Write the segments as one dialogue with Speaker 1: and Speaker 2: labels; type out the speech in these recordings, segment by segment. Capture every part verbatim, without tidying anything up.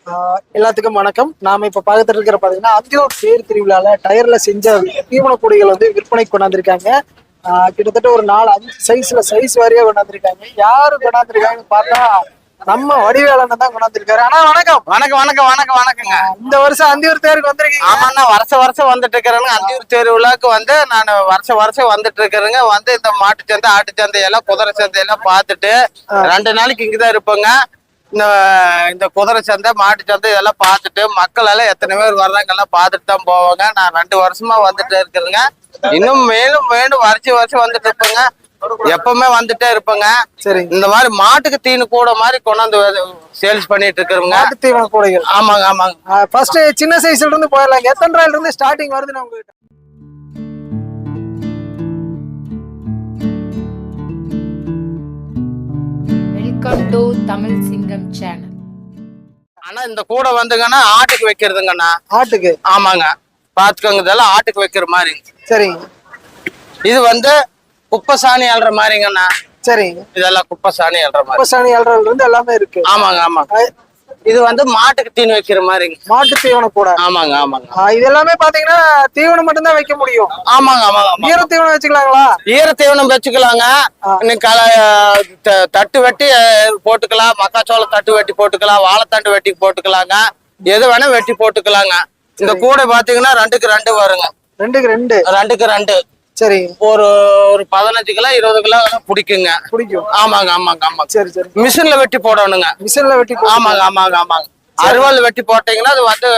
Speaker 1: ஆஹ் எல்லாத்துக்கும் வணக்கம். நாம இப்ப பார்த்துட்டு இருக்கிற பாத்தீங்கன்னா அந்தியூர் தேர் திருவிழால டயர்ல செஞ்ச தீவன பொடிகள் வந்து விற்பனை கொண்டாந்துருக்காங்க. ஆஹ் கிட்டத்தட்ட ஒரு நாலு அஞ்சு சைஸ்ல சைஸ் வாரியா கொண்டாந்துருக்காங்க. யாரு கொண்டாந்துருக்காங்கன்னு பார்த்தா நம்ம வடிவேலன் தான் கொண்டாந்துருக்காரு. ஆனா வணக்கம்
Speaker 2: வணக்கம் வணக்கம் வணக்கம் வணக்கங்க.
Speaker 1: இந்த வருஷம் அந்தியூர் தேருக்கு வந்திருக்கீங்க?
Speaker 2: ஆமாண்ணா, வருஷம் வருஷம் வந்துட்டு இருக்கிறேங்க. அந்தியூர் திருவிழாக்கு வந்து நான் வருஷம் வருஷம் வந்துட்டு இருக்கிறேங்க. வந்து இந்த மாட்டு சந்தை, ஆட்டு சந்தை எல்லாம், குதிரை சந்தை எல்லாம் பார்த்துட்டு ரெண்டு நாளைக்கு இங்கதான் இருப்பேங்க. இந்த இந்த குதிரை சந்தை, மாட்டு சந்தை இதெல்லாம் பார்த்துட்டு மக்கள் எல்லாம் எத்தனை பேர் வர்றாங்க எல்லாம் பார்த்துட்டு தான் போவாங்க. நான் ரெண்டு வருஷமா வந்துட்டு இருக்கிறேங்க. இன்னும் மேலும் மேலும் வருஷம் வருஷம் வந்துட்டு இருப்பேங்க. எப்பவுமே வந்துட்டே இருப்பேங்க.
Speaker 1: சரி,
Speaker 2: இந்த மாதிரி மாட்டுக்கு தீனு கூட மாதிரி கொண்டாந்து சேல்ஸ் பண்ணிட்டு இருக்கிறவங்க.
Speaker 1: மாட்டு தீவன கூடைகள்.
Speaker 2: ஆமாங்க ஆமாங்க.
Speaker 1: ஃபர்ஸ்ட் சின்ன சைஸ்ல இருந்து போயிடலாம். எத்தனை ரூபாயில இருந்து ஸ்டார்டிங் வருதுன்னு உங்ககிட்ட?
Speaker 3: வெல்கம் டு தமிழ் சிங்கம் சேனல்.
Speaker 2: ஆனா இந்த கூடை வந்துங்கன்னா ஆட்டுக்கு வைக்கிறதுங்கண்ணா.
Speaker 1: ஆட்டுக்கு?
Speaker 2: ஆமாங்க, பாத்துக்கோங்க. இதெல்லாம் ஆட்டுக்கு வைக்கிற மாதிரி.
Speaker 1: சரிங்க.
Speaker 2: இது வந்து குப்பை சாணி அல்ற மாதிரிங்கண்ணா.
Speaker 1: சரிங்க.
Speaker 2: இதெல்லாம் குப்பை சாணி அல்ற மாதிரி.
Speaker 1: குப்பை சாணி அல்றதுல இருந்து எல்லாமே இருக்கு.
Speaker 2: ஆமாங்க ஆமாங்க. இது வந்து மாட்டுக்கு தீனி வைக்கிற மாதிரிங்க.
Speaker 1: மாட்டு தீவன கூட?
Speaker 2: ஆமாங்க ஆமாங்க.
Speaker 1: இது எல்லாமே பாத்தீங்கன்னா தீவனம் மட்டும் தான் வைக்க முடியும்.
Speaker 2: ஆமாங்க ஆமாங்க.
Speaker 1: ஈர தீவனம் வச்சுக்கலாங்களா?
Speaker 2: ஈர தீவனம் வச்சுக்கலாங்க. இன்னைக்கு தட்டு வெட்டி போட்டுக்கலாம், மக்காச்சோள தட்டு வெட்டி போட்டுக்கலாம், வாழைத்தண்டு வெட்டி போட்டுக்கலாங்க. எது வேணா வெட்டி போட்டுக்கலாங்க. இந்த கூடை பாத்தீங்கன்னா ரெண்டுக்கு ரெண்டு வருங்க.
Speaker 1: ரெண்டுக்கு ரெண்டு? ரெண்டுக்கு
Speaker 2: ரெண்டு.
Speaker 1: சரி.
Speaker 2: ஒரு ஒரு பதினஞ்சு கிலோ இருபது கிலோ பிடிக்குங்க.
Speaker 1: பிடிக்கும்.
Speaker 2: ஆமாங்க ஆமாங்க ஆமாங்க.
Speaker 1: சரி சரி.
Speaker 2: மிஷின்ல வெட்டி போடணுங்க.
Speaker 1: மிஷின்ல வெட்டி?
Speaker 2: ஆமாங்க ஆமாங்க ஆமாங்க. அறுவாள் வெட்டி போட்டீங்கன்னா அது வந்து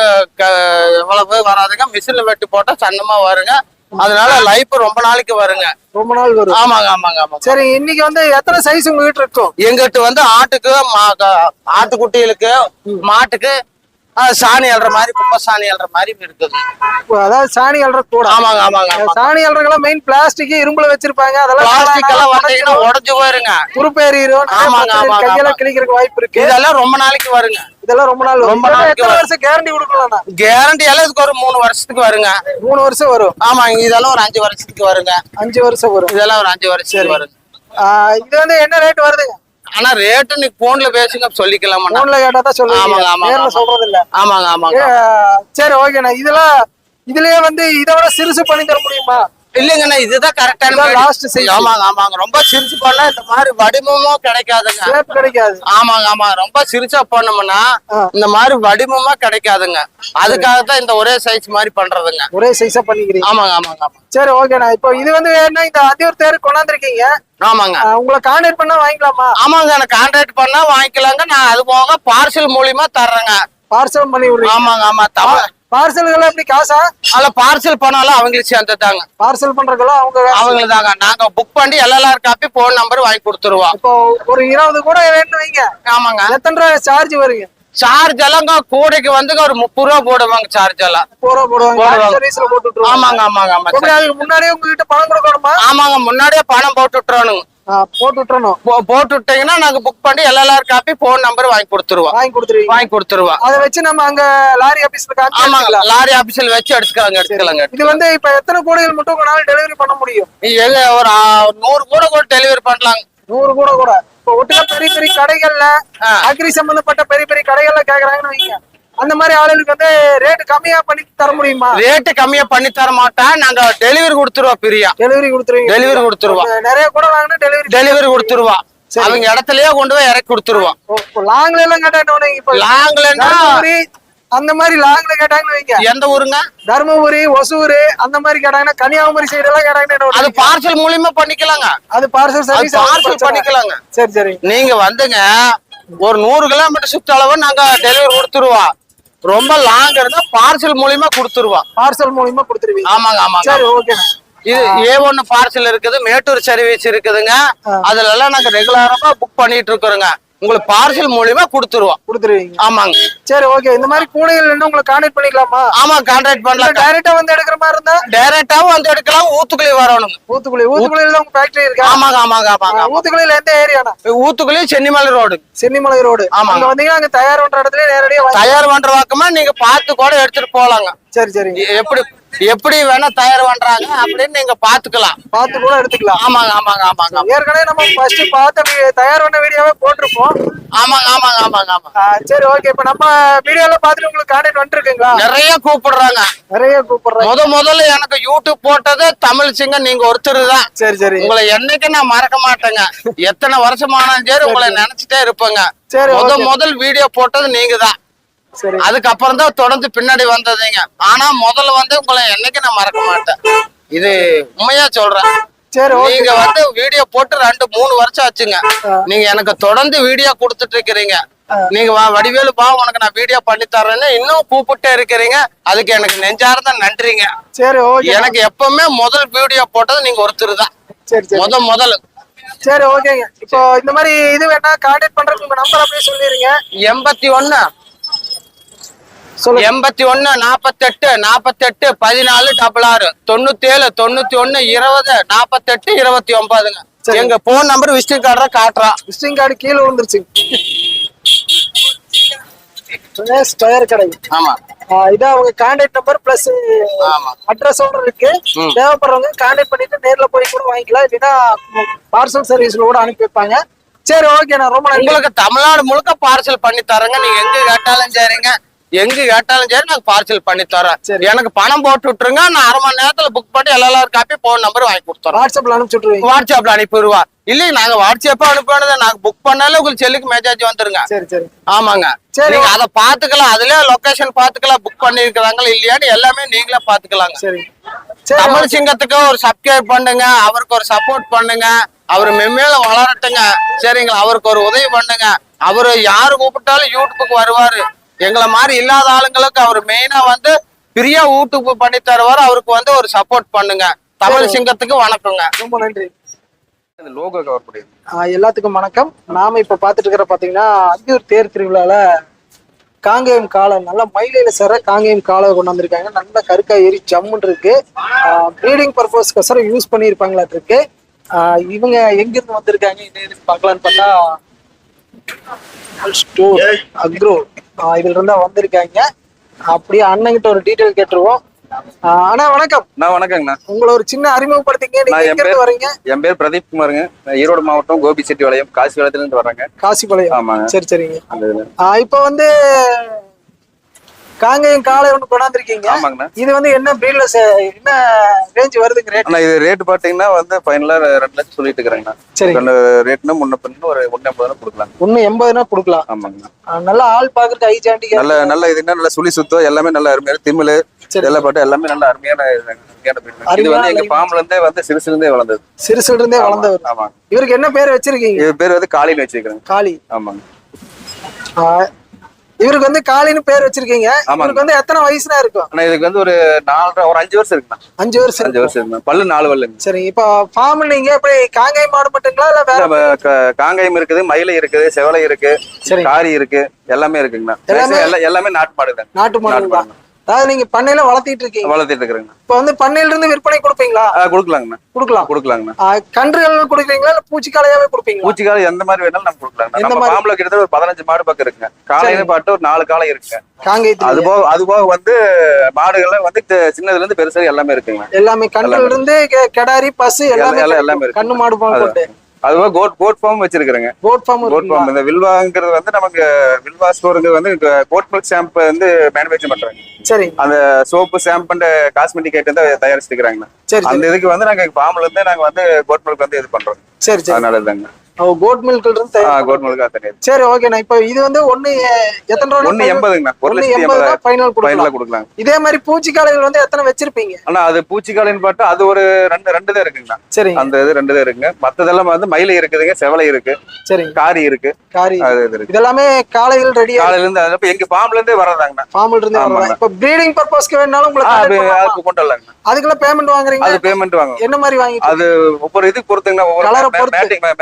Speaker 2: எவ்வளவு வராதுங்க. மிஷின்ல வெட்டி போட்டா சன்னமா வருங்க. அதனால லைஃப் ரொம்ப நாளைக்கு வருங்க.
Speaker 1: ரொம்ப நாள் வரும்.
Speaker 2: ஆமாங்க ஆமாங்க ஆமாங்க.
Speaker 1: சரி, இன்னைக்கு வந்து எத்தனை சைஸ் உங்ககிட்ட இருக்கும்?
Speaker 2: எங்கிட்ட வந்து ஆட்டுக்கு, ஆட்டுக்குட்டிகளுக்கு, மாட்டுக்கு சாணி அல்ற மாதிரி, குப்பை சாணி அல்ற மாதிரி இருக்குது.
Speaker 1: அதாவது சாணி அல்ற கூட?
Speaker 2: ஆமாங்க ஆமாங்க.
Speaker 1: சாணி அல்றதெல்லாம் மெயின் பிளாஸ்டிக், இரும்புல வச்சிருப்பாங்க. அதெல்லாம்
Speaker 2: பிளாஸ்டிக் எல்லாம் வந்தீங்கன்னா உடஞ்சு போயிருங்க.
Speaker 1: துருப்பேறிடும்.
Speaker 2: ஆமாங்க ஆமாங்க.
Speaker 1: கையெல்லாம் கிழிக்கிறதுக்கு வாய்ப்பு இருக்கு.
Speaker 2: இதெல்லாம் ரொம்ப நாளைக்கு வருங்க.
Speaker 1: இதெல்லாம் ரொம்ப நாள்
Speaker 2: ரொம்ப நாளைக்கு.
Speaker 1: எத்தனை வருஷம் கேரண்டி கொடுக்கலாம்?
Speaker 2: கேரண்டி எல்லாம் இதுக்கு ஒரு மூணு வருஷத்துக்கு வருங்க.
Speaker 1: மூணு வருஷம் வரும்?
Speaker 2: ஆமாங்க. இதெல்லாம் ஒரு அஞ்சு வருஷத்துக்கு வருங்க.
Speaker 1: அஞ்சு வருஷம் வரும்.
Speaker 2: இதெல்லாம் ஒரு அஞ்சு வருஷம் வருங்க.
Speaker 1: இது வந்து என்ன ரேட் வருதுங்க?
Speaker 2: ஆனா ரேட்டு நீ போன்ல பேசுங்க, சொல்லிக்கலாம்.
Speaker 1: போன்ல கேட்டா தான் சொல்லுங்க.
Speaker 2: ஆமாங்க ஆமாங்க.
Speaker 1: நேர்ல சொல்றது இல்ல.
Speaker 2: ஆமாங்க ஆமாங்க.
Speaker 1: சரி ஓகேண்ணா. இதெல்லாம் இதுலயே வந்து இதை விட சிறுசு பண்ணி தர முடியுமா?
Speaker 2: இல்லைங்கண்ணா, இதுதான் கரெக்டான லாஸ்ட் சைஸ். ஆமாங்க ஆமாங்க. ரொம்ப சிரிச்சு பண்ணா இந்த மாதிரி வடிவமும் கிடைக்காதுங்க.
Speaker 1: கிடைக்காது.
Speaker 2: ஆமாங்க ஆமாங்க. ரொம்ப சிரிச்சா பண்ணோம்னா இந்த மாதிரி வடிவமா கிடைக்காதுங்க. அதுக்காகத்தான் இந்த ஒரே சைஸ் மாதிரி பண்றதுங்க.
Speaker 1: ஒரே சைஸா பண்ணிக்கிறீங்க?
Speaker 2: ஆமாங்க ஆமாங்க ஆமாங்க.
Speaker 1: சரி ஓகேண்ணா. இப்போ இது வந்து என்ன, இந்த அந்தியூர் தேர் கொண்டாந்துருக்கீங்க?
Speaker 2: ஆமாங்க.
Speaker 1: உங்களை கான்டாக்ட் பண்ணா வாங்கிக்கலாமா?
Speaker 2: ஆமாங்க, எனக்கு கான்டாக்ட் பண்ணா வாங்கிக்கலாங்க. நான் அது போக பார்சல் மூலியமா தர்றேங்க.
Speaker 1: பார்சல் பண்ணி விடுறீங்க?
Speaker 2: ஆமாங்க ஆமா. தமிழ்
Speaker 1: பார்சல்கள் எப்படி காசா?
Speaker 2: அதுல பார்சல் பண்ணாலும் அவங்களுக்கு சேர்ந்துட்டாங்க.
Speaker 1: பார்சல் பண்றதுலாம் அவங்க
Speaker 2: அவங்களுக்கு தாங்க. நாங்க புக் பண்ணி எல்எல்ஆர் காப்பி, போன் நம்பர் வாங்கி கொடுத்துருவோம்.
Speaker 1: இப்போ ஒரு இருபது கூட வேணும் வைங்க.
Speaker 2: ஆமாங்க.
Speaker 1: எத்தனை ரூபாய் சார்ஜ் வருங்க?
Speaker 2: சார்ஜ் எல்லாம் கூடைக்கு வந்து ஒரு முப்பது ரூபா போடுவாங்க. சார்ஜ் எல்லாம்
Speaker 1: முப்பது ரூபா போடுவாங்க. சர்வீஸ்ல போட்டு விட்டுருவாங்க.
Speaker 2: ஆமாங்க ஆமாங்க ஆமாங்க.
Speaker 1: அதுக்கு முன்னாடியே உங்ககிட்ட பணம் கொடுக்கணுமா?
Speaker 2: ஆமாங்க, முன்னாடியே பணம் போட்டு விட்டுறோனுங்க.
Speaker 1: போட்டு விட்டுறணும்.
Speaker 2: போட்டு விட்டீங்கன்னா நாங்க புக் பண்ணி எல்எல்ஆர் காப்பி, போன் நம்பர் வாங்கி கொடுத்துருவோம்.
Speaker 1: வாங்கி கொடுத்துருவீங்க? வாங்கி
Speaker 2: கொடுத்துருவோம்.
Speaker 1: அதை வச்சு நம்ம அங்க லாரி ஆபீஸ்ல காமிச்சு?
Speaker 2: ஆமாங்க, லாரி ஆபீஸ்ல வச்சு எடுத்துக்கலாங்க எடுத்துக்கலாங்க.
Speaker 1: இது வந்து இப்ப எத்தனை கூடைகள் மட்டும் உங்களால டெலிவரி பண்ண முடியும்?
Speaker 2: ஒரு நூறு கூட கூட டெலிவரி பண்ணலாங்க.
Speaker 1: நூறு கூட கூட. இப்ப ஒட்டுக்க பெரிய பெரிய கடைகள்ல, அக்ரி சம்பந்தப்பட்ட பெரிய பெரிய கடைகள்ல கேக்குறாங்கன்னு வைங்க, அந்த மாதிரி ஆளுகளுக்கு வந்து ரேட் கம்மியா பண்ணி தர முடியுமா?
Speaker 2: ரேட் கம்மியா பண்ணி தர மாட்டேன். நாங்க டெலிவரி கொடுத்துருவோம். பிரியா
Speaker 1: டெலிவரி கொடுத்துருவீங்க? டெலிவரி கொடுத்துருவோம். நிறைய கூட வாங்கினா டெலிவரி டெலிவரி
Speaker 2: கொடுத்துருவோம். அவங்க இடத்துலயே கொண்டு போய் இறக்கி கொடுத்துருவோம்.
Speaker 1: லாங்ல எல்லாம் கேட்டா, இப்ப
Speaker 2: லாங்லன்னா
Speaker 1: அந்த மாதிரி லாங்ல கேட்டாங்கன்னு வைங்க.
Speaker 2: எந்த ஊருங்க?
Speaker 1: தர்மபுரி, ஒசூர் அந்த மாதிரி கேட்டாங்கன்னா, கன்னியாகுமரி சைடு எல்லாம் கேட்டாங்கன்னா
Speaker 2: அது பார்சல் மூலியமா பண்ணிக்கலாங்க.
Speaker 1: அது பார்சல் சர்வீஸ்
Speaker 2: பார்சல் பண்ணிக்கலாங்க.
Speaker 1: சரி சரி.
Speaker 2: நீங்க வந்துங்க ஒரு நூறு கிலோமீட்டர் சுற்றளவு நாங்க டெலிவரி கொடுத்துருவோம். ரொம்ப லாங் இருந்தா பார்சல் மூலியமா கொடுத்துருவோம்.
Speaker 1: பார்சல் மூலியமா கொடுத்துருவீங்க?
Speaker 2: ஆமாங்க ஆமாங்க.
Speaker 1: சரி ஓகே.
Speaker 2: இது ஏ ஒன்னு பார்சல் இருக்குது, மேட்டூர் சர்வீஸ் இருக்குதுங்க. அதுல எல்லாம் நாங்க ரெகுலரா புக் பண்ணிட்டு இருக்கிறோங்க. உங்களுக்கு பார்சல் மூலியமா கொடுத்துருவோம்.
Speaker 1: கொடுத்துருவீங்க?
Speaker 2: ஆமாங்க.
Speaker 1: சரி ஓகே. இந்த மாதிரி கூடைகள் என்ன உங்களுக்கு கான்டாக்ட் பண்ணிக்கலாமா?
Speaker 2: ஆமா, கான்டாக்ட் பண்ணலாம்.
Speaker 1: டைரக்டா வந்து எடுக்கிற மாதிரி இருந்தா?
Speaker 2: டைரக்டாவும் வந்து எடுக்கலாம். ஊத்துக்குழி வரணும்.
Speaker 1: ஊத்துக்குழி? ஊத்துக்குழியில உங்க ஃபேக்டரி இருக்கா?
Speaker 2: ஆமாங்க ஆமாங்க ஆமாங்க.
Speaker 1: ஊத்துக்குழியில எந்த ஏரியானா?
Speaker 2: ஊத்துக்குழி சென்னிமலை ரோடு.
Speaker 1: சென்னிமலை ரோடு.
Speaker 2: ஆமாங்க.
Speaker 1: அங்க வந்தீங்கன்னா அங்க தயார் பண்ற இடத்துல நேரடியா
Speaker 2: தயார் பண்ற வாக்கமா நீங்க பார்த்து கூட எடுத்துட்டு போலாங்க.
Speaker 1: சரி சரி.
Speaker 2: எப்படி எப்படி வேணா தயார் பண்றாங்க அப்படின்னு நீங்க பாத்துக்கலாம்.
Speaker 1: பார்த்து கூட எடுத்துக்கலாம்.
Speaker 2: ஆமாங்க ஆமாங்க ஆமாங்க
Speaker 1: ஏற்கனவே நம்ம ஃபர்ஸ்ட் பார்த்த வி- தயார் பண்ண வீடியோவே போட்டிருப்போம்.
Speaker 2: ஆமாங்க ஆமாங்க ஆமாங்க ஆமாங்க
Speaker 1: ஆ, சரி ஓகே. இப்ப நம்ம வீடியோல பார்த்துட்டு உங்களுக்கு கான்டாக்ட் வந்துருக்குங்களா?
Speaker 2: நிறைய கூப்பிடுறாங்க.
Speaker 1: நிறைய கூப்பிடுறேன்.
Speaker 2: முத முதல்ல எனக்கு யூடியூப் போட்டது தமிழ் சிங்கம் நீங்க ஒருத்தர் தான்.
Speaker 1: சரி சரி
Speaker 2: உங்களை என்னைக்கு நான் மறக்க மாட்டேங்க. எத்தனை வருஷமானாலும் சரி உங்களை நினைச்சிட்டே இருப்பேங்க.
Speaker 1: சரி,
Speaker 2: முத
Speaker 1: okay.
Speaker 2: முதல் வீடியோ போட்டது நீங்க தான்.
Speaker 1: சரி
Speaker 2: அதுக்கப்புறம் தான் தொடர்ந்து பின்னாடி வந்ததுங்க. ஆனா முதல்ல வந்து உங்களை என்னைக்கு நான் மறக்க மாட்டேன். இது உண்மையா சொல்றேன்.
Speaker 1: சரி ஓகே.
Speaker 2: நீங்க வந்து வீடியோ போட்டு ரெண்டு மூணு வருஷம் ஆச்சுங்க. நீங்க எனக்கு தொடர்ந்து வீடியோ கொடுத்துட்டு இருக்கிறீங்க. நீங்க வா வடிவேலு பா உனக்கு நான் வீடியோ பண்ணி தரேன்னு இன்னும் கூப்பிட்டே இருக்கிறீங்க. அதுக்கு எனக்கு நெஞ்சார்ந்த நன்றிங்க.
Speaker 1: சரி ஓகே.
Speaker 2: எனக்கு எப்பவுமே முதல் வீடியோ போட்டது நீங்க ஒருத்தர் தான்.
Speaker 1: சரி சரி
Speaker 2: முத முதல்
Speaker 1: சரி ஓகேங்க. இப்போ இந்த மாதிரி இது வேணா கான்டாக்ட் பண்றதுக்கு உங்க நம்பர் அப்படியே சொல்லிருங்க.
Speaker 2: எண்பத்தி ஒண்ணு
Speaker 1: சொல்லுங்க.
Speaker 2: எண்பத்தி ஒண்ணு நாப்பத்தெட்டு நாப்பத்தெட்டு பதினாலு டபுள் ஆறு தொண்ணூத்தி ஏழு தொண்ணூத்தி ஒண்ணு இருபது நாப்பத்தெட்டு இருபத்தி ஒன்பதுங்க.
Speaker 1: சரி.
Speaker 2: எங்க போன் நம்பர் விசிட்டிங் கார்டு காட்டுறான்.
Speaker 1: விசிட்டிங் கார்டு கீழே விழுந்துருச்சு. டயர் கடை.
Speaker 2: ஆமா
Speaker 1: ஆ, இதான் அவங்க கான்டாக்ட் நம்பர் பிளஸ்
Speaker 2: ஆமா.
Speaker 1: அட்ரஸோட இருக்கு.
Speaker 2: ம்.
Speaker 1: தேவைப்படுறவங்க கான்டாக்ட் பண்ணிட்டு நேர்ல போய் கூட வாங்கிக்கலாம். இல்லைன்னா பார்சல் சர்வீஸ்ல கூட அனுப்பி வைப்பாங்க. சரி ஓகே. நான் ரொம்ப நன்றி.
Speaker 2: உங்களுக்கு தமிழ்நாடு முழுக்க பார்சல் பண்ணி தரேங்க. நீங்க எங்க கேட்டாலும் சரிங்க. எங்க கேட்டாலும் சரி நாங்க பார்சல் பண்ணி தரேன்.
Speaker 1: சரி.
Speaker 2: எனக்கு பணம் போட்டு விட்டுருங்க. நான் அரை மணி நேரத்துல புக் பண்ணி எல்லாரும் காப்பி போன் நம்பர் வாங்கி கொடுத்துறோம்.
Speaker 1: வாட்ஸ்அப்ல அனுப்பிச்சு விட்டுருவீங்க.
Speaker 2: வாட்ஸ்அப்ல அனுப்பிடுவா. இல்லைங்க நாங்க வாட்ஸ்அப்பா அனுப்பினது நாங்க புக் பண்ணாலே உங்களுக்கு செல்லுக்கு மெசேஜ் வந்துருங்க.
Speaker 1: சரி சரி
Speaker 2: ஆமாங்க.
Speaker 1: சரி.
Speaker 2: நீங்க அதை பாத்துக்கலாம். அதுலயே லொகேஷன் பாத்துக்கலாம். புக் பண்ணிருக்காங்களா இல்லையான்னு எல்லாமே நீங்களே பாத்துக்கலாங்க.
Speaker 1: சரி சரி
Speaker 2: தமிழ் சிங்கத்துக்கு ஒரு சப்ஸ்கிரைப் பண்ணுங்க. அவருக்கு ஒரு சப்போர்ட் பண்ணுங்க. அவரு மென்மேல வளரட்டுங்க. சரிங்களா? அவருக்கு ஒரு உதவி பண்ணுங்க. அவரு யாரு கூப்பிட்டாலும் யூடியூப்புக்கு வருவாரு. எங்களை மாதிரி இல்லாத ஆளுங்களுக்கு அவர் மெயினா வந்து பிரியா யூடியூப் பண்ணி தருவாரு. அவருக்கு வந்து ஒரு சப்போர்ட் பண்ணுங்க. தமிழ் சிங்கத்துக்கு வணக்கங்க.
Speaker 1: ரொம்ப நன்றி.
Speaker 4: லோகோ கவர் பண்ணிடுது.
Speaker 1: ஆ, எல்லாத்துக்கும் வணக்கம். நாம இப்ப பாத்துட்டு இருக்கிற பாத்தீங்கன்னா அந்தியூர் தேர் திருவிழால காங்கேயம் காளை நல்ல மயிலையில சேர காங்கேயம் காளை கொண்டு வந்திருக்காங்க. நல்ல கருக்கா ஏறி ஜம்முன்னு இருக்கு. ப்ரீடிங் பர்பஸ்க்கோசரம் யூஸ் பண்ணியிருப்பாங்களாட்டு இருக்கு. ஆ, இவங்க எங்க இருந்து வந்திருக்காங்க என்ன பார்க்கலான்னு பார்த்தா ஸ்டோர் அக்ரோ இதுல இருந்தா வந்திருக்காங்க. அப்படியே அண்ணங்கிட்ட ஒரு டீட்டெயில் கேட்டுருவோம். ஆ, அண்ணா வணக்கம்.
Speaker 4: நான் வணக்கங்கண்ணா.
Speaker 1: உங்களை ஒரு சின்ன அறிமுகப்படுத்திங்க. நீங்க
Speaker 4: நான் என்
Speaker 1: எங்க இருந்து
Speaker 4: பேர்
Speaker 1: வரீங்க?
Speaker 4: என் பேர் பிரதீப் குமாருங்க. நான் ஈரோடு மாவட்டம் கோபிச்செட்டிபாளையம் காசிபாளையத்துல இருந்து வர்றேங்க.
Speaker 1: காசிபாளையம்.
Speaker 4: ஆமாங்க.
Speaker 1: சரி சரிங்க.
Speaker 4: அந்த இதுல.
Speaker 1: ஆ, இப்ப வந்து காங்கேயம் காளை ஒண்ணு கொண்டாந்துருக்கீங்க.
Speaker 4: ஆமாங்கண்ணா.
Speaker 1: இது வந்து என்ன பிரீட்ல என்ன ரேஞ்ச் வருதுங்க ரேட்?
Speaker 4: ஆனா இது ரேட் பாத்தீங்கன்னா வந்து ஃபைனலா ரெண்டு லட்சம் சொல்லிட்டு இருக்கிறேங்கண்ணா.
Speaker 1: சரி.
Speaker 4: ரேட்னா முன்ன பின்ன ஒரு ஒன்னு எண்பதுனா கொடுக்கலாம்.
Speaker 1: ஒண்ணு எண்பதுனா கொடுக்கலாம்.
Speaker 4: ஆமாங்கண்ணா.
Speaker 1: ஆ, நல்லா ஆள் பாக்குறதுக்கு ஐ ஜாண்டி
Speaker 4: நல்ல நல்ல இதுன்னா நல்ல சுழி சுத்தம் எல்லாமே நல்ல அருமையான திமிழ்
Speaker 1: சரி.
Speaker 4: எல்லாம் பாட்டு எல்லாமே நல்ல அருமையான அருமையான breed. இது
Speaker 1: அருமையான
Speaker 4: வந்து எங்க
Speaker 1: line.
Speaker 4: ஃபார்ம்ல இருந்தே வந்து சிறுசுல இருந்தே வளர்ந்தது.
Speaker 1: சிறுசுல இருந்தே
Speaker 4: ஆமா,
Speaker 1: வளர்ந்தவர்.
Speaker 4: ஆமா.
Speaker 1: இவருக்கு என்ன பேர் வச்சிருக்கீங்க?
Speaker 4: இது பேர் வந்து காளின்னு வச்சிருக்கிறேன்.
Speaker 1: காளி.
Speaker 4: ஆமாங்க.
Speaker 1: ஆ, இவருக்கு வந்து காளின்னு பேர் வச்சிருக்கீங்க.
Speaker 4: ஆமாங்க.
Speaker 1: இவருக்கு வந்து எத்தனை வயசுனா இருக்கும்?
Speaker 4: ஆனா இதுக்கு வந்து ஒரு நாலரை ஒரு அஞ்சு வருஷம் இருக்குண்ணா.
Speaker 1: அஞ்சு வருஷம்
Speaker 4: அஞ்சு
Speaker 1: இருக்கும்.
Speaker 4: வருஷம் இருக்குண்ணா. பல்லு நாலு பல்லுங்க.
Speaker 1: சரி. இப்ப ஃபார்ம் நீங்க எப்படி காங்கேயம் மாடு மட்டுங்களா இல்ல வேற?
Speaker 4: நம்ம க- காங்கேயம் இருக்குது, மயிலை இருக்குது, செவலை இருக்கு,
Speaker 1: சரி.
Speaker 4: காரி இருக்கு, எல்லாமே இருக்குங்கண்ணா.
Speaker 1: எல்லாமே-
Speaker 4: எல்லா- எல்லாமே நாட்டு மாடு தான்.
Speaker 1: நாட்டு மாடு தான்.
Speaker 4: மாடு.
Speaker 1: அதாவது நீங்க பண்ணையில வளர்த்திட்டு இருக்கீங்க.
Speaker 4: வளர்த்திட்டு இருக்கிறேங்கண்ணா.
Speaker 1: இப்ப வந்து பண்ணையில இருந்து விற்பனை கொடுப்பீங்களா?
Speaker 4: ஆ, கொடுக்கலாங்கண்ணா.
Speaker 1: கொடுக்கலாம்.
Speaker 4: கொடுக்கலாங்கண்ணா.
Speaker 1: ஆ, கன்றுகள் கொடுக்குறீங்களா இல்ல பூச்சிக்காலையாவே கொடுப்பீங்களா?
Speaker 4: பூச்சிக்காலம் எந்த மாதிரி வேணாலும் நம்ம கொடுக்கலாங்கண்ணா.
Speaker 1: எந்த
Speaker 4: நம்ம
Speaker 1: மாதிரி?
Speaker 4: ஃபார்ம்ல கிட்டத்தட்ட ஒரு பதினஞ்சு மாடு பக்கம் இருக்குங்க. காலையில பாட்டு ஒரு நாலு காலம் இருக்குங்க. அது
Speaker 1: காங்கேயத்துல
Speaker 4: போக அது போக வந்து மாடுகள்லாம் வந்து தி- சின்னதுல இருந்து பெருசா எல்லாமே இருக்குங்க.
Speaker 1: எல்லாமே கன்றுல இருந்து கெ- கெடாரி பசு எல்லாமே
Speaker 4: எல்லாம்
Speaker 1: கிடைக்கும்.
Speaker 4: எல்லாமே இருக்கு.
Speaker 1: கண்ணு மாடு பால்
Speaker 4: அது-
Speaker 1: கொண்டு
Speaker 4: அது போக கோட் கோட் ஃபார்ம் வச்சிருக்கிறேங்க.
Speaker 1: கோட் ஃபார்ம்
Speaker 4: கோட் ஃபார்ம் இந்த வில்வாங்கிறது வந்து நமக்கு வில்வா ஸ்டோருங்கிறது வந்து கோட் மில்க் ஷாம்பு வந்து மேனுஃபேக்சர் பண்றாங்க.
Speaker 1: சரி
Speaker 4: அந்த soap shampoo and cosmetic item தான் தயாரிச்சுக்கிறாங்கண்ணா.
Speaker 1: சரி
Speaker 4: அந்த இதுக்கு வந்து நாங்க ஃபார்ம்ல இருந்து நாங்க வந்து கோட் மில்க் வந்து இது பண்றோம்.
Speaker 1: சரி சரி
Speaker 4: அதனால தாங்க.
Speaker 1: ஓ கோட் மில்க்ல இருந்து தயார்.
Speaker 4: கோட் மில்க் தான் தயார்.
Speaker 1: சரி ஓகேண்ணா. இப்போ இது வந்து ஒண்ணு எ- எத்தனை ரூபா?
Speaker 4: ஒன்னு எண்பதுங்கண்ணா. ஒரு
Speaker 1: ஒண்ணு
Speaker 4: லட்சத்தி
Speaker 1: எண்பது
Speaker 4: எண்பதாயிரம்
Speaker 1: ஃபைனல்
Speaker 4: ஃபைனலா
Speaker 1: கொடுக்கலாம்.
Speaker 4: கொடுக்கலாம்.
Speaker 1: இதே மாதிரி பூச்சிக்காலைகள் வந்து எத்தனை வச்சிருப்பீங்க?
Speaker 4: ஆனா அது பூச்சிக்காலின்னு பார்த்தா அது ஒரு ரெண்டு ரெண்டு தான் இருக்குங்கண்ணா.
Speaker 1: சரிங்க.
Speaker 4: அந்த இது ரெண்டு தான் இருக்குங்க. மத்ததெல்லாம் வந்து மயிலை இருக்குதுங்க, செவலை இருக்கு,
Speaker 1: சரிங்க.
Speaker 4: காரி இருக்கு,
Speaker 1: காரி
Speaker 4: அது இது இருக்கு.
Speaker 1: இதெல்லாமே காலைகள் ரெடியா
Speaker 4: காலையில இருந்து அது எங்க ஃபார்ம்ல இருந்தே வர்றதாங்கண்ணா.
Speaker 1: ஃபார்ம்ல இருந்து
Speaker 4: ஆமாங்க.
Speaker 1: வரலாம். இப்போ ப்ரீடிங் பர்பஸ்க்கு வேணாலும்
Speaker 4: ஆ,
Speaker 1: உங்களுக்கு
Speaker 4: அது
Speaker 1: contact பண்ணலாமா?
Speaker 4: அதுக்கு கொண்டு வரலாங்கண்ணா.
Speaker 1: அதுக்குள்ள பேமெண்ட் வாங்குறீங்க?
Speaker 4: அது பேமெண்ட் வாங்குவோம்.
Speaker 1: என்ன மாதிரி வாங்கிட்டு?
Speaker 4: அது ஒவ்வொரு இதுக்கு பொறுத்துங்கண்ணா. ஒவ்வொரு
Speaker 1: Colour-அ பொறுத்து.
Speaker 4: மேட்டிங் மேட்டிங்
Speaker 1: சரி,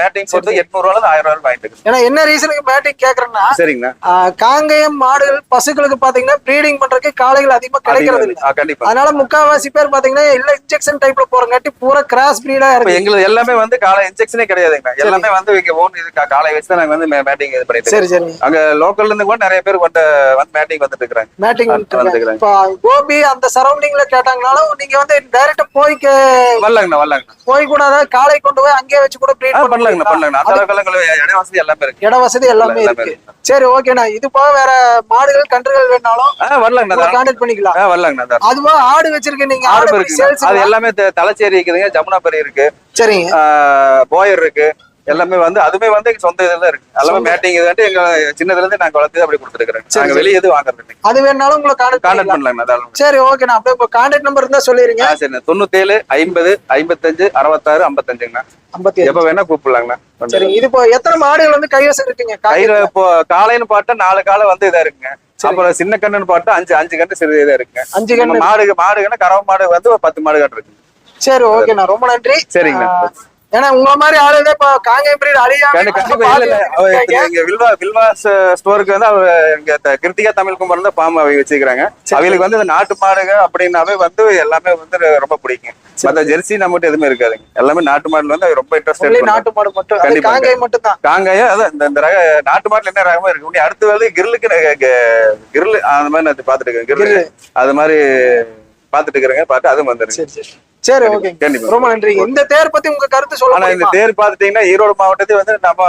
Speaker 4: ஒருத்தர் எட்நூறு ரூபாய் ஆயிரம் ரூபாய் வாங்கிட்டு இருக்கு.
Speaker 1: ஏன்னா என்ன ரீசனுக்கு மேட்டிங் கேக்குறேன்னா
Speaker 4: சரிங்கண்ணா,
Speaker 1: ஆஹ் காங்கேயம் மாடுகள் பசுக்களுக்கு பாத்தீங்கன்னா ப்ரீடிங் பண்றதுக்கு காளைகள் அதிகமா கிடைக்கிறது இல்லை.
Speaker 4: ஆ, கண்டிப்பா.
Speaker 1: அதனால முக்காவாசி பேர் பாத்தீங்கன்னா இல்ல இன்ஜெக்ஷன் டைப்ல போறங்காட்டி பூரா கிராஸ் பிரீடா
Speaker 4: இப்ப
Speaker 1: இருக்கு.
Speaker 4: எங்களுக்கு எல்லாமே வந்து காலை இன்ஜெக்ஷனே கிடையாதுங்கண்ணா. எல்லாமே வந்து இங்க ஓன் இது கா- காலை வச்சு தான் நாங்க வந்து மேட்டிங் இது பண்ணிட்டு
Speaker 1: சரி
Speaker 4: இருக்கோம்.
Speaker 1: சரி
Speaker 4: அங்க லோக்கல்ல இருந்து கூட நிறைய பேர் வந்து வந்து மேட்டிங் வந்துட்டு இருக்காங்க.
Speaker 1: மேட்டிங்
Speaker 4: வந்துக்கிறாங்க.
Speaker 1: இப்ப கோபி அந்த சரௌண்டிங்ல கேட்டாங்கனாலும் நீங்க வந்து டைரக்டா போய் கே-
Speaker 4: வரலாங்கண்ணா, வரலாங்கண்ணா.
Speaker 1: போய் கூட அதாவது காளை கொண்டு போய் அங்கேயே வச்சு கூட ப்ரீட்
Speaker 4: ஆ, பண்ணலாங்கண்ணா, பண்ணலாங்கண்ணா. அந்த அளவுக்கு இட வசதி எல்லாமே இருக்கு.
Speaker 1: இட வசதி எல்லாமே
Speaker 4: எல்லாமே
Speaker 1: இருக்கு. சரி ஓகேண்ணா. இது போக வேற மாடுகள் கன்றுகள் வேணாலும்
Speaker 4: ஆ, வரலாங்கண்ணா.
Speaker 1: கான்டாக்ட் பண்ணிக்கலாம்.
Speaker 4: ஆ, வரலாங்கண்ணா.
Speaker 1: அதுவா ஆடு வச்சிருக்கீங்க நீங்க?
Speaker 4: ஆடு
Speaker 1: ஆடு
Speaker 4: இருக்குங்க.
Speaker 1: சேல்ஸ்
Speaker 4: அது எல்லாமே தெ- தலைச்சேரி இருக்குதுங்க, ஜமுனாபரி இருக்கு,
Speaker 1: சரிங்க.
Speaker 4: ஆஹ் போயர் இருக்கு. எல்லாமே வந்து அதுமே வந்து எங்க சொந்த இதுல இருக்கு. எல்லாமே மேட்டிங் இது எங்க சின்னதுல இருந்து நாங்க வளர்த்து அப்படி கொடுத்துருக்கோம். நாங்க வெளியே எதுவும் வாங்குறது இல்லை.
Speaker 1: அது வேணாலும் உங்களை கான்டாக்ட்
Speaker 4: கான்டாக்ட்
Speaker 1: பண்ணலாம்.
Speaker 4: பண்ணலாங்கண்ணா, தாராளமா.
Speaker 1: சரி ஓகேண்ணா. அப்படியே உங்க கான்டாக்ட் நம்பர் இருந்தா சொல்லிருங்க.
Speaker 4: ஆ, சரிண்ணா. தொண்ணூத்தேழு ஐம்பது ஐம்பத்தஞ்சு அறுபத்தாறு ஐம்பத்தஞ்சுங்கண்ணா.
Speaker 1: ஐம்பத்தி
Speaker 4: எப்ப வேணா கூப்பிடலாங்கண்ணா.
Speaker 1: சரி. இது இப்போ எத்தனை மாடுகள் வந்து கைவசம் இருக்குங்க?
Speaker 4: கயிறு இப்போ காலைன்னு பார்த்தா நாலு காலை வந்து இதா இருக்குங்க. அப்புறம் சின்ன கண்ணுன்னு பார்த்தா அஞ்சு அஞ்சு கண்டு சிறு இதா இருக்குங்க.
Speaker 1: அஞ்சு கண்ணு.
Speaker 4: மாடு மாடுங்கன்னா கறவை மாடு வந்து ஒரு பத்து மாடு கட்டு இருக்கு.
Speaker 1: சரி ஓகேண்ணா, ரொம்ப நன்றி.
Speaker 4: சரிங்கண்ணா.
Speaker 1: ஆஹ் ஏன்னா உங்களை மாதிரி ஆளுங்க இப்ப காங்கேயம் பிரீட் அழியாம
Speaker 4: கண்டி- கண்டிப்பா இல்ல இல்ல அவர்
Speaker 1: இருக்காங்க.
Speaker 4: இங்க வில்வா வில்வா ஸ்டோருக்கு வந்து அவர் இங்க த- கிருத்திகா தமிழ் குமார் தான் பாம்பு அவங்க வச்சுக்கிறாங்க. அவங்களுக்கு வந்து இந்த நாட்டு மாடுங்க அப்படின்னாவே வந்து எல்லாமே வந்து ரொம்ப பிடிக்கும். மத்த ஜெர்சி நம்மகிட்ட எதுவுமே இருக்காதுங்க. எல்லாமே நாட்டு மாடுல வந்து ரொம்ப
Speaker 1: Only
Speaker 4: இன்ட்ரெஸ்ட்.
Speaker 1: நாட்டு மாடு மட்டும். அது
Speaker 4: கண்டிப்பா.
Speaker 1: காங்கேயம் மட்டும் தான்.
Speaker 4: காங்காயம் அதான் இந்த- இந்த ரக நாட்டு மாட்டுல என்ன ரகமா இருக்கு. உடனே அடுத்த வந்து கிரில்லுக்கு கிரில் அந்த மாதிரி நான் பாத்துட்டு இருக்கேன். கிரில் அது மாதிரி பாத்துட்டு இருக்கிறேங்க. பார்த்து அதுவும் வந்துருங்க.
Speaker 1: சரி சரி சரி ஓகே.
Speaker 4: கண்டிப்பா.
Speaker 1: ரொம்ப நன்றி. இந்த தேர் பத்தி உங்க கருத்து சொல்ல
Speaker 4: ஆனா இந்த
Speaker 1: முடியுமா?
Speaker 4: தேர் பாத்துட்டீங்கன்னா ஈரோடு மாவட்டத்தை வந்து நம்ம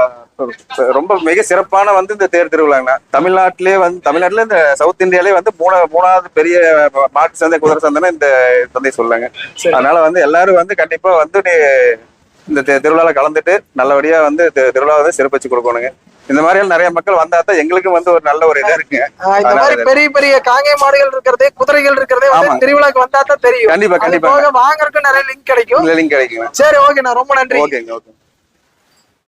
Speaker 4: ரொம்ப மிக சிறப்பான வந்து இந்த தேர் திருவிழாங்கண்ணா. தமிழ்நாட்டிலே வந்து தமிழ்நாட்டுல இந்த சவுத் இந்தியாலே வந்து மூணா மூணாவது பெரிய மாட்டு சந்தை குதிரை சந்தைன்னா இந்த சந்தை சொல்லாங்க. அதனால வந்து எல்லாரும் வந்து கண்டிப்பா வந்து நீ இந்த தெ- திருவிழால கலந்துட்டு நல்லபடியா வந்து தெ- திருவிழா வந்து சிறப்பிச்சு கொடுக்கணுங்க. இந்த மாதிரி நிறைய மக்கள் வந்தா தான் எங்களுக்கும் வந்து ஒரு நல்ல ஒரு இதா இருக்குங்க.
Speaker 1: ஆஹ் இந்த மாதிரி பெரிய பெரிய காங்கேய மாடுகள் இருக்கிறதே குதிரைகள் இருக்கிறதே வந்து
Speaker 4: ஆமாங்க.
Speaker 1: திருவிழாக்கு வந்தா தான் தெரியும்.
Speaker 4: கண்டிப்பா
Speaker 1: அது
Speaker 4: கண்டிப்பா
Speaker 1: போக வாங்குறதுக்கு நிறைய லிங்க் கிடைக்கும்.
Speaker 4: லிங்க் கிடைக்குங்க.
Speaker 1: சரி ஓகேண்ணா, ரொம்ப நன்றி.
Speaker 4: ஓகேங்க ஓகே.